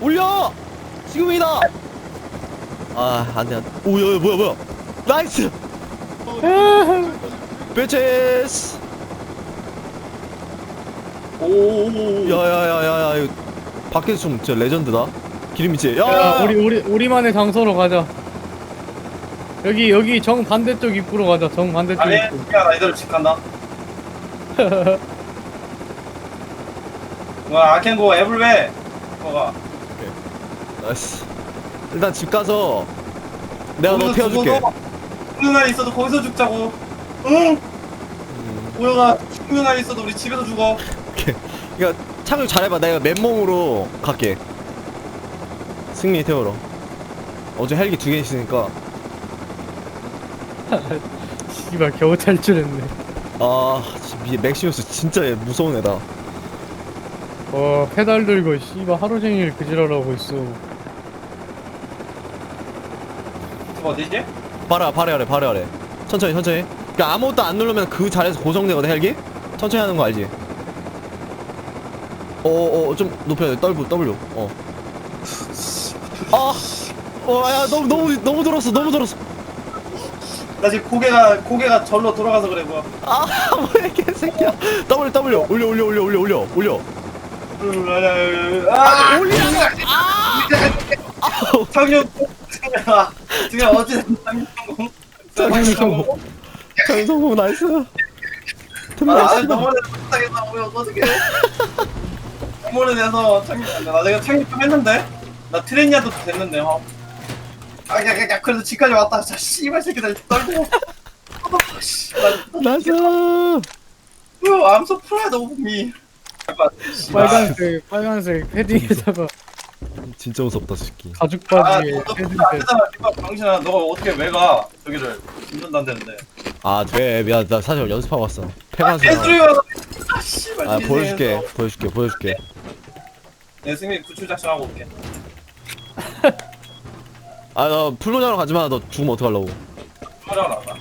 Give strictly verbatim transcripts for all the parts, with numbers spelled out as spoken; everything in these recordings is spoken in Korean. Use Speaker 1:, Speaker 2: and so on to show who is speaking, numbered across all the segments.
Speaker 1: 올려! 지금이다! 아, 안 돼, 안 돼. 오, 야, 야, 뭐야, 뭐야. 나이스! 배체스!
Speaker 2: 오오오.
Speaker 1: 야, 야, 야, 야, 야, 이거 밖에서 좀 진짜 레전드다. 기름이지? 야!
Speaker 3: 야, 우리 우리 우리만의 장소로 가자. 여기 여기 정 반대쪽 입구로 가자. 정 반대쪽
Speaker 2: 아니,
Speaker 3: 입구.
Speaker 2: 야, 나 이대로 집 간다. 와, 아켄고 에블웨. 뭐가?
Speaker 1: 나이스. 일단 집 가서 내가 너 태워줄게.
Speaker 2: 죽는 날 있어도 거기서 죽자고. 응? 우영아, 죽는 날 있어도 우리 집에서 죽어.
Speaker 1: 그니까 착륙 잘해봐. 내가 맨몸으로 갈게. 승리 태우러. 어제 헬기 두 개 있으니까.
Speaker 3: 씨발 겨우 탈출했네.
Speaker 1: 아, 이 맥시우스 진짜 무서운 애다.
Speaker 3: 어 페달 들고 씨발 하루 종일 그지랄하고 있어.
Speaker 2: 집 어디지?
Speaker 1: 바로 바로 아래 바로 아래. 천천히 천천히. 그니까 아무것도 안 누르면 그 자리에서 고정되거든 헬기. 천천히 하는 거 알지? 어어 좀 높여야 돼. W W. 어. 아, 어야 너무 너무 너무 들었어 너무 들었어.
Speaker 2: 나 지금 고개가 고개가 절로 돌아가서 그래 뭐야.
Speaker 1: 아 뭐야 개새끼야. W W 올려 올려 올려 올려 올려 올려.
Speaker 2: 아,
Speaker 1: 올려.
Speaker 2: 상륙. 아, 지금 어제 상륙 성공.
Speaker 1: 상륙 성공. 장 성공 나이스. 틈나
Speaker 2: 아,
Speaker 1: 씨발.
Speaker 2: 너무 못하겠다. 뭐야 어떻게? 너무 내서 착륙. 나 내가 착륙 좀 했는데. 나 트레니아도 됐는데. 어. 아, 야, 야, 야, 그래도 집까지 왔다. 자, 씨발 새끼들 떨고. 아, 씨, 나,
Speaker 1: 나이스.
Speaker 2: I'm so proud of me.
Speaker 3: 빨간색 빨간색 패딩에다가
Speaker 1: 진짜 무섭다 새끼.
Speaker 3: 가죽
Speaker 2: 아,
Speaker 3: 바지에
Speaker 2: 너, 너,
Speaker 3: 패딩.
Speaker 2: 너 앞에다가 이거 병신아, 너가 어떻게 왜 가? 저기를 운전한다는데.
Speaker 1: 아 돼. 미안 나 사실 연습하고 왔어. 폐관수.
Speaker 2: 개소리가. 아, 씨발.
Speaker 1: 아
Speaker 2: 인생에서.
Speaker 1: 보여줄게 보여줄게 보여줄게.
Speaker 2: 네, 승민 구출 작전하고 올게.
Speaker 1: 아 나 풀로냐로 가지마. 너 죽으면 어떡하려고.
Speaker 2: 하려고 나왔다.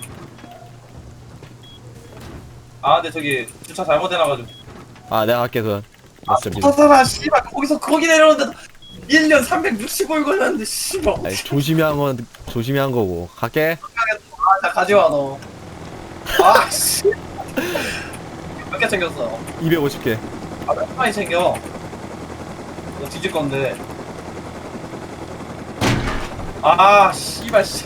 Speaker 2: 아, 근데 저기 주차 잘못해놔가지고.
Speaker 1: 아 내가 할게 그.
Speaker 2: 아, 붙었잖아, 씨발. 거기서 거기 내려오는데 일 년 삼백육십오 일 걸렸는데, 씨발.
Speaker 1: 아니 조심히 한 건 조심히 한 거고. 갈게.
Speaker 2: 아, 자, 가져와, 너. 아, 씨. 몇 개 챙겼어?
Speaker 1: 이백오십 개.
Speaker 2: 아, 몇 많이 챙겨? 너 뒤질 건데. 아, 씨발, 씨.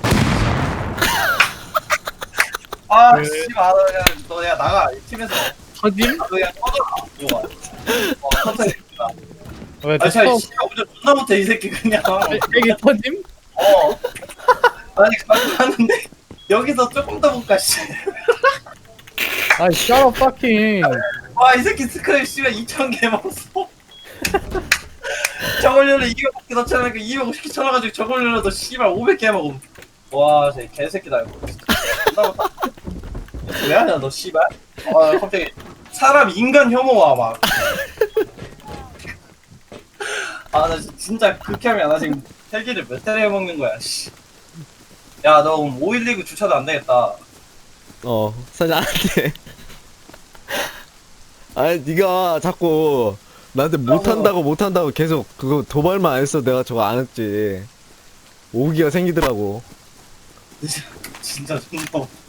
Speaker 2: 아,
Speaker 3: 왜?
Speaker 2: 씨발, 너, 야, 너, 야, 나가. 이 팀에서.
Speaker 3: 터짐?
Speaker 2: 너 그냥 꺼져라. 이거 봐. 어, 터져, 이 새끼가.
Speaker 3: 왜
Speaker 2: 아, 참,
Speaker 3: 터짐?
Speaker 2: 씨발, 운전 존나 못해, 이 새끼, 그냥.
Speaker 3: 이게 터짐?
Speaker 2: 어. 아니, 가고 갔는데, 여기서 조금 더 볼까, 씨.
Speaker 3: 아 shut up fucking.
Speaker 2: 와, 이 새끼 스크랩 씨발 이천 개 먹었어. 저걸로는 이백오십 개 넣잖아. 이백오십 개 쳐놔가지고 저걸로도 씨발 오백 개 먹음. 와, 쟤 개새끼다, 이거. 존나 못하- 왜 하냐, 너 씨발? 아, 갑자기 사람 인간 혐오와, 막. 아, 나 진짜 극혐이야. 나 지금 헬기를 몇 대를 해먹는 거야, 씨. 야, 너 그럼 오일리그 주차도 안 되겠다.
Speaker 1: 어 사실 안 돼. 아니 네가 자꾸 나한테 못한다고 못한다고 계속 그거 도발만 안 했어. 내가 저거 안 했지. 오기가 생기더라고.
Speaker 2: 진짜 존나.